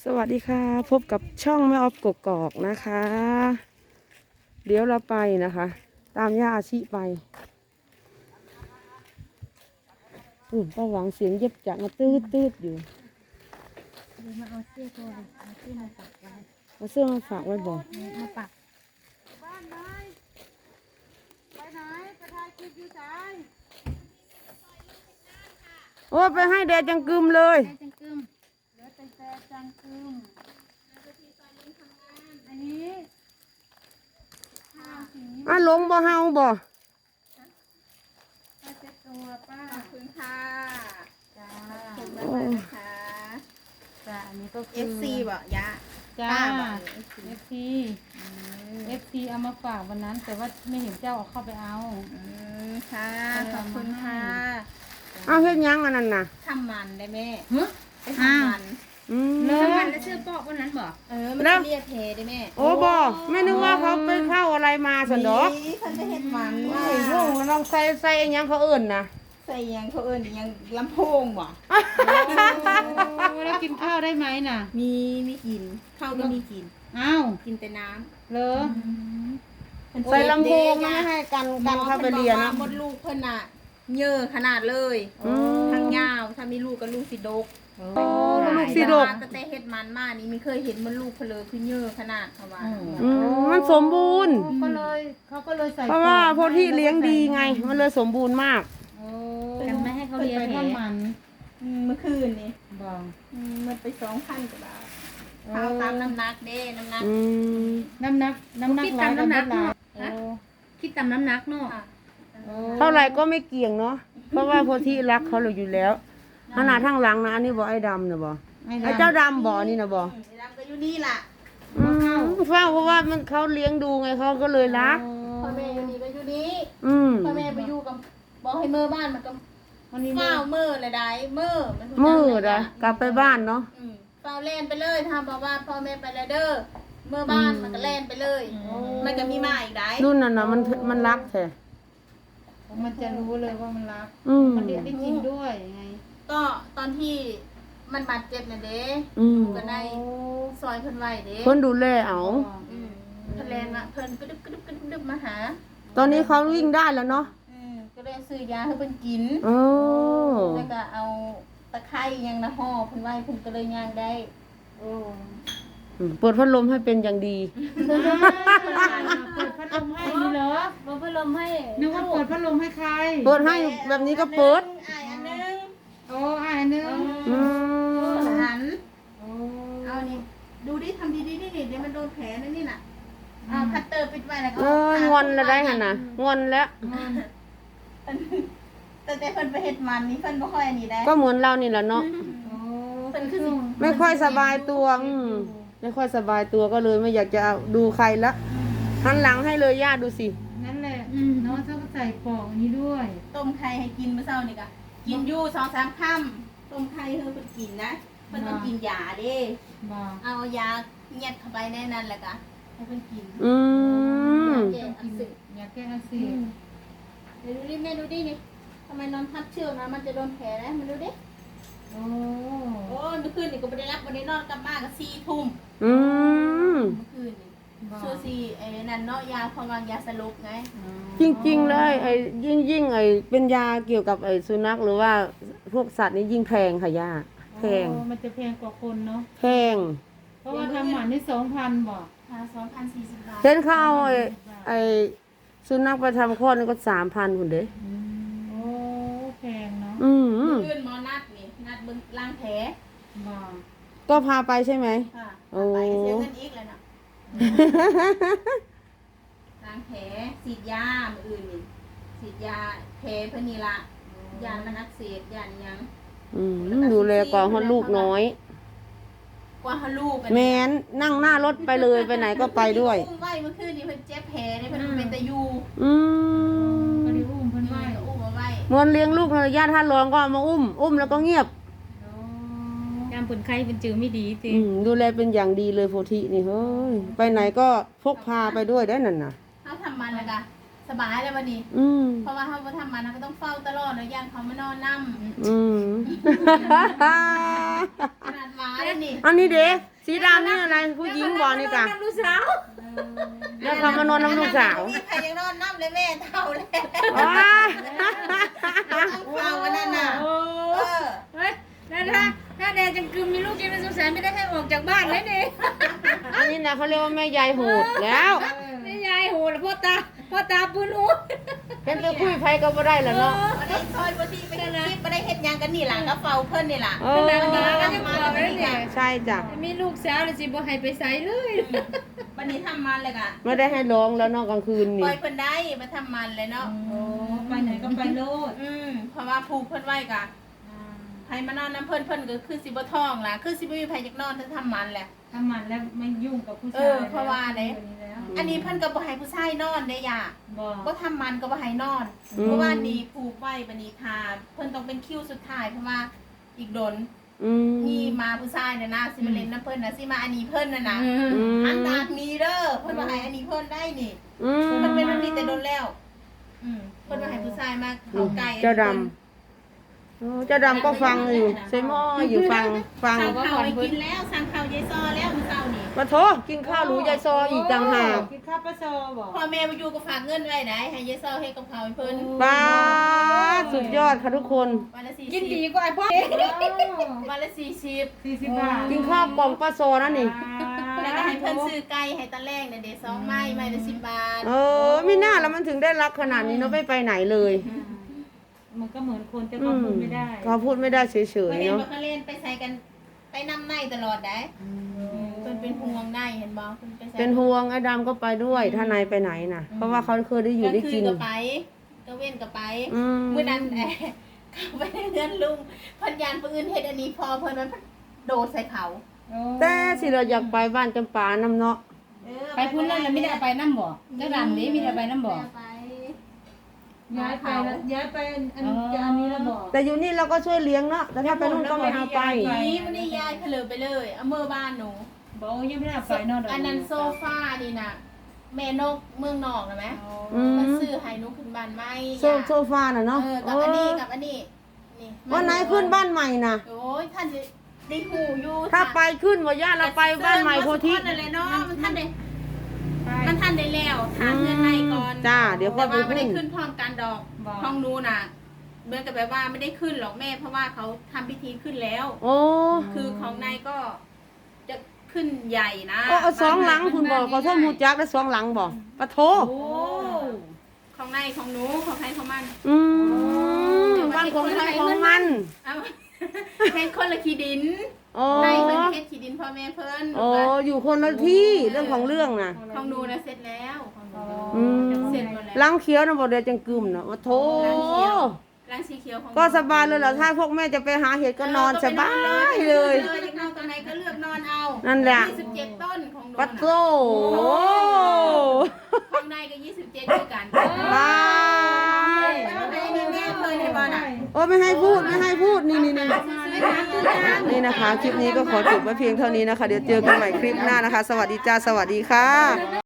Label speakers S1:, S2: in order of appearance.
S1: สวัสดีค่ะพบกับช่องแม่ออฟกกอกนะคะ เดี๋ยวเราไปนะคะ ตามย่าอาชีไปป้าหวังเสียงเย็บจักมาตืดอยู่
S2: เดี๋ยวมาเอาเสื้อตัวเอาเสื้อมาปักไว้
S1: มาเสื้อมาฝากไว้บอก
S2: มาปัก
S3: บ้านไหนไปไหนไปถ่ายคลิปอยู่ไหน
S1: โอ้ไปให้แดดจังกึมเลย
S2: แม่จังกึม
S3: เหลือแต่จังคืมอันนี้ข้าวสี
S1: หลงบ่เฮาบ่
S3: ป้าเช็ดตัวป้าขอบคุณค่ะจ้าขอบคุณมากๆนะคะ
S2: จ้าอันนี้ก็คือ
S3: FC บอกยะ
S2: จ้า
S3: ป้าบอก
S2: FC FC เอามาฝากวันนั้น แต่ว่าไม่เห็นเจ้าเอาเข้าไปเอา
S3: ค่ะขอบคุณค่ะ
S1: เอาเฮ็ดหยังอันนั้นน่ะ
S3: ทำมันได้แม่
S2: ฮะ
S3: ไปทำมัน
S1: อืม
S2: เลย
S3: มันแล้วชื่อปอกวันนั้นบอกมันจะเรียกเทได้แม่
S1: โอ้บ่แม่นึกว่าเขาไปเข้าอะไรมาสันดอก
S3: นี่ฉันจะเห็ดมัน
S1: โอ้ยลุงแล้วน้องใส่อิหยังเขาเอิ่นนะ
S3: ใส่ยังเขาเอิญยังลำโพงบ่
S2: โอ้แล้วกินข้าวได้ไหมน่ะ
S3: มีกินข้าวก็มีกิน
S2: อ้าว
S3: กินแต่น้
S2: เหรอ
S3: ำ
S1: ใส่ลำโพงไม่ให้กันเข้าไปเรียน
S3: หมอ
S1: นะ
S3: เพิ่นบอกว่ามดลูกเพิ่นน่ะเยอะขนาดเลย
S1: อืม
S3: ทั้งยาวถ้ามีลูกก็ลูกสิดก
S2: โอ้
S1: ลูกสิดก
S3: แต่เฮ็ดมันมานี่มีเคยเห็นมันลูกเพนเลยคือเยอะขนาดเขาว่า
S1: มันสมบูรณ์
S2: ก็เลยเขาก็เลยใส่
S1: เพราะว่าพวกที่เลี้ยงดีไง มันเลยสมบูรณ์มาก
S2: โอ้กันไม่ให้เขาเลี้ยงไปทำมัน
S3: เมื่อคืนนี่
S2: บอก
S3: มันไป2,000กว่าบาทเขาตามน้ำหนักเด้น้ำหนัก
S1: อืม
S2: น้ำหนักหลายกับน้ำหนักโอ้
S3: คิดตามน้ำหนักเนาะ
S2: โอ้
S1: เท่าไหร่ก็ไม่เกี่ยงเนาะ เพราะว่าพวกที่รักเขาเราอยู่แล้วขนาดทั้งหลังนะอันนี้บอกไอ้ดำนะบอกไอ้เจ้าดำบอกนี่นะบอก
S3: ไอ้ดำก็อยู่นี่ล่ะ
S1: เฝ้าเพราะว่ามันเขาเลี้ยงดูไงเขาก็เลยรัก
S3: พ่อแม่อยู่นี่ก็อยู่นี่
S1: อืม
S3: พ่อแม่ไปอยู่กับบอกให้เมื่อบ้านมันก็
S2: วันนี้
S3: เฝ้าเมื่อเลยได้เมื่อมัน
S1: มืดอะกลับไปบ้านเนาะ
S3: เฝ้าเล่นไปเลยทำบอกว่าพ่อแม่ไปแล้วเด้อเมื่อบ้านมันก็เล่นไปเลย มันก็มีมาอีกได้
S1: รุ่นนั้นนะมันรักแท้
S2: มันจะรู้เลยว่ามันรัก
S1: อืม
S2: มันเรียกได้กินด้วยไง
S3: ก็ตอนที่มันบาดเจ็บน่ะเด้
S1: อืม
S3: ก็ได้ซอยเพิ่นไว้เด้
S1: คนดูแลเอา
S3: เพิ่นแลนมาเพิ่นกระดึบกระดึบกระดึบมาหา
S1: ตอนนี้เขาวิ่งได้แล้วเนาะ
S3: ก็เลยซื้อยาให้เพิ่นกิน
S1: โอ้
S3: แล้วก็เอาตะไคร้ยังนะห่อเพิ่นไว้เพิ่นก็เลยย่างได้
S2: โอ้
S1: เปิดพัดลมให้เป็นอย่างดี
S2: เปิดพัดลมให้นี่เหรอ
S3: บ่เพิ่นลมให้
S2: นึกว่าเปิดพัดลมให้ใคร
S1: เปิดให้แบบนี้ก็เปิด
S3: อ้ายอันนึง
S2: โอ้อ่านนึง
S1: อืม
S3: หัน
S2: โอ้
S3: เอานี่ดูดิทำดีๆนี่เดี๋ยวมันโดนแผลนะนี่น่ะเอาคัตเตอร์ปิดไว้แล้วก็
S1: เอ้ยงอนแล้วได้หันน่ะงอนแล้ว
S3: แต่เพิ่นไปเฮ็ดมันนี่เพิ่นบ่ค่อยอันนี้ได้
S1: ก็เหมือนเรานี่แหละเนาะ
S2: โอ้
S3: เพิ่นคือสิ
S1: ไม่ค่อยสบายตัวไม่ค่อยสบายตัวก็เลยไม่อยากจะเอาดูใครละหันหลังให้เลยย่าดูสิ
S2: นั่นแหละเนาะถ้าก็ใส่ปอกนี้ด้วย
S3: ต้มไข่ให้กินมื้อเช้านี่ก็กินอยู่2-3 ค่ำต้มไข่ให้เพิ่นกินนะเพิ่นต้องกินยาเด้
S2: บอก
S3: เอายาเย็ดเข้าไปในนั้นแหละก็ให้เพิ่นกิน
S1: อืม
S3: แก้อักเสบ
S2: อยากแก้อักเสบ
S3: เดี๋ยวดูดิแม่ดูดินี่ทำไมนอนทับเชือกนะมันจะโดนแผลนะมันดูดิ
S2: โอ้
S3: โอ้ยเมื่อคืนนี่ก็ไม่ได้รับวันนี้นอนกลับบ้านก็4 ทุ่ม
S1: อืม
S3: เมื่อคืนนี่
S2: บอก
S3: ชัวซีไอ้นั่นเนาะยาพองยาสลบไง
S1: จริงๆเลยไอ้ยิ่งไอ้เป็นยาเกี่ยวกับไอ้สุนัขหรือว่าพวกสัตว์นี่ยิ่งแพงค่ะย่าแพง
S2: โอ้มันจะแพงกว่าคนเนาะ
S1: แพง
S2: เพราะว่าทำหมันนี่2,000บอก
S3: 2,040 บาท
S1: เห็นเขาเอาไอ้สุนัขไปทำคลอดนี่ก็3,000คุณเด้
S2: โอ้แพงเนาะ
S1: อืม
S3: เมื่อคืนหมอนัดนี่นัดเบิ่งล้างแผล
S2: บอก
S1: ก็พาไปใช่ไหม
S3: ค่ะ
S1: โอ้
S3: ไปเสียเงินอีกแล้วนะล้างแผลฉีดยามื้ออื่นนี่ฉีดยาแผลเพิ่นนี่ล่ะยามันอักเสบยาหยัง
S1: อืมดูแลก่อนฮอดลูกน้อย
S3: กว่าเฮาลูก
S1: แม้นนั่งหน้ารถไปเลยไปไหนก็ไปด้วย
S3: อุ้มไว้เมื่อคืนนี่เพิ่นเจ็บแผลนี่เพิ่นเป็นตะยู
S1: อืม
S2: ก็ได้อุ้มเพิ่น
S3: ไว้
S2: ไว้
S3: ก็อุ้มเอาไว้
S1: เหมือนเลี้ยงลูกนะญาติท่านรองก็เอามาอุ้มแล้วก็เงียบ
S2: ยามผลไข้เป็นจือไม่ดีสิ
S1: ดูแลเป็นอย่างดีเลยโพธินี่เฮ้ยไปไหนก็พกพาไปด้วยได้นั่นน่ะ
S3: เฮาทำมันแล้วก็สบายแล้วบัดนี้
S1: อืม
S3: เพราะว่าเฮาบ่ทำมันเราก็ต้องเฝ้าตลอดเนาะย่านเขามานอนนำ
S1: อืม
S3: ขนาดหมาเลยนี่
S1: อันนี้เด็กสีดำนี่อะไรผู้หญิงบอกนี่กะ
S3: ลูกสาว
S1: แล้วเขามานอนน้ำลูกสาว
S3: ใครยังนอนน้ำเลยแม่เท่าเลย
S1: ว้า
S3: เฝ้ากันนั่นน่ะ
S2: โอ้เฮ้ยนั่นถ้าแดงจังกึมมีลูกกินเป็นสงสารไม่ได้ให้ออกจากบ้านเลยนี่
S1: อันนี้นะเขาเรียกว่าแม่ยายโหดแล้ว
S2: ไม่ยายโหแล้วพ่อตาปืนหู
S1: เป็นไปคุยไฟก็บ่ได้แล้วเนาะ
S3: บ่ได้ซอยบ่ที่ไปคลิปบ่ได้เฮ็ดหยังกันนี่ล่ะก็เฝ้าเพิ่นนี่ล่ะ
S1: เอ
S2: ข
S1: อ
S2: นาดนี้ก็ยังบอกเลยเนี่ย
S1: ใช่จ้ะ
S2: มีลูกสาวเลยสิบ่ให้ไปใส่เลย
S3: วันนี้ทำมันเลยค่ะ
S1: ไม่ได้ให้ร้องแล้วเนอกกลางคืน
S3: ป
S1: นี่
S3: ล่อยเพิ่นได้มาทำมันเลยเนาะ
S2: โอ้ไปไหนก็ไปโลด
S3: เพราะว่าผูกเพิ่นไว้กะไผมานอนน้ำเพิ่นก็คือสิบ่ท้องล่ะคือสิบ่มีไผจักนอนถ้าทำมันแหละ
S2: ทำมันแล้วไม่ยุ่งกับผู้ชาย
S3: เพราะว่าไหน อันนี้เพิ่นก็บ่ให้ผู้ชายนอนได้ย่า
S2: บอก
S3: บ่ทำมันก็บ่ให้นอน เพราะว่านี่ผูกไว้บัดนี้ทาเพิ่นต้องเป็นคิวสุดท้ายเพราะว่าอีกโดน
S1: อืม
S3: มีมาผู้ชายน่ะนะสิมาเล่นน้ำเพิ่นน่ะสิมาอันนี้เพิ่นน่ะนะ
S1: อืม
S3: อันดาดนี้เด้อเพิ่นว่าให้อันนี้เพิ่นได้นี่
S1: อืม
S3: มันเป็นแบบนี้แต่โดนแล้ว เพิ่นว่าให้ผู้ชายมาเข้าใกล้
S1: เจ้าดำโอ้เจ้าดำก็ฟังอยู่ใส่หม้ออยู่ฟัง
S3: สั่งข้าวให้กินแล้วสั่งข้าวยายซอแล้วมื้อเช้านี่
S1: มาโถกินข้าวหรูยายซออีกต่างหาก
S2: กินข้าวปลาโซบอก
S3: พ่อแม่มาอยู่ก็ฝากเงินไว้ได้ให้ยายซอให้กับข้าวให้เพิ่น
S1: ป้าดสุดยอดค่ะทุกคน
S3: วันละ40
S2: กินดีกว่าไอ้พ่อ
S3: วันละ40
S2: 40 บาท
S1: กินข้าวกล่องป้าโซนั่นนี่
S3: แล้วก็ให้เพิ่นซื้อไก่ให้ตะแลงน่ะเด้2ไม้ไม้ละ10 บาท
S1: เออไม่น่าแล้วมันถึงได้รักขนาดนี้เนาะไม่ไปไหนเลย
S2: มันก็เหมือนคนแต่ก็พูดไม่ได้
S1: เขาพูดไม่ได้เฉย
S3: บ่
S1: ๆ
S3: เห็น
S1: เนาะ
S3: บ่เขาเล่นไปใส่กันไปนำในตลอดได้เพิ่นเป็นห่วงในเห็นบ่เพิ่นไปใส่
S1: เป็นห่วงไอ้ดำก็ไปด้วยถ้านายไปไหนน่ะ เพราะว่าเขาเคยได้อยู่ได้กิน
S3: ก็ไปก็เว้นก็ไป
S1: อืม
S3: มื้อนั้นเข้าไปในเรือนลุงเพิ่นยานปืนเฮ็ดอันนี้พอเพิ่นมันโดดใส่เขา
S1: แต่สิเราอยากไปบ้านจำปาน้ำเนาะ
S2: ไปพูดเล่นแล้วไม่ได้เอาไปน้ำบ่เจ้าดำนี้ไม่ได้เอาไปน้ำบ่
S3: ไป
S2: ย้ายไปแล้วย้ายไปอันนี้แล้วบอก
S1: แต่อยู่นี่เราก็ช่วยเลี้ยงเนาะแต่ถ้าไปนู่นก็ไม่เอาไป
S3: นี่มันได้ย้ายเพลอไปเลยเอาเมื่อบ้านหนู
S2: บอกยังไม่ได้เอาไปนอก
S3: อันนั้นโซฟานี่น่ะแม่นกเมืองนอกนะแม่
S1: อืม
S3: มันซื้อให้หนูขึ้นบ้านใหม่
S1: โซฟาน่ะเนาะ
S3: กับอันนี้กับอันนี้นี่
S1: วันไหนขึ้นบ้านใหม่น่ะ
S3: โอ้ยท่านจะได้หูอยู่
S1: ถ้าไปขึ้นว่าญาติเราไปบ้านใหม่โพธิ
S3: นั่นแหละเนาะมันท่านได้แล้วถามเงินในก่อน
S1: จ้าเดี๋ยวค่อยไป
S3: แต่ว่าไม่
S1: ขึ้
S3: ได้
S1: น
S3: ขึ้นพร้อมกันดอกห้องหนูน่ะเหมือนกับแบบว่าไม่ได้ขึ้นหรอกแม่ เพราะว่าเขาทำพิธีขึ้นแล้ว
S1: โอ้
S3: คือของนายก็จะขึ้นใหญ่นะ
S1: เอาสองหลังคุณบอกขอโทษมูจักได้สองหลังบอกปะโถ
S3: โอ้ของนายของหนูของใครของมัน
S1: อืมบ้านของใครของมัน
S3: เอาเฮ็ดคนละขี้ดิน
S1: โอ้
S3: นายเพิ่นเฮ็ดขี้ดินพ่อแม่เพิ่น
S1: โอ้อยู่คนละที่เรื่องของเรื่องน่ะ
S3: ของหนูนะเสร็จแล้วของหนู
S1: อืม
S3: เสร็จหมดแล้ว
S1: หลังเขียวนะบอกเดี๋ยวจังกึมนะว่าโถ
S3: ล้างสีเขียวของหนู
S1: ก็สบายเลยเหรอถ้าพวกแม่จะไปหาเห็ดก็นอนสบายเลย
S3: อยากนอนตรงไหนก็เลือกนอนเอา
S1: นั่
S3: นั่
S1: นแหละ
S3: 27 ต้นของหนู
S1: ปัดโต
S3: ของนายก็27ด้วยกัน
S1: บาย
S3: มีแม่เคยในบ้านอ่ะ
S1: โอ้ไม่ให้พูดไม่ให้พูดนี่นี่นะคะ คลิปนี้ก็ขอจบไว้เพียงเท่านี้นะคะ เดี๋ยวเจอกันใหม่คลิปหน้านะคะ สวัสดีจ้าสวัสดีค่ะ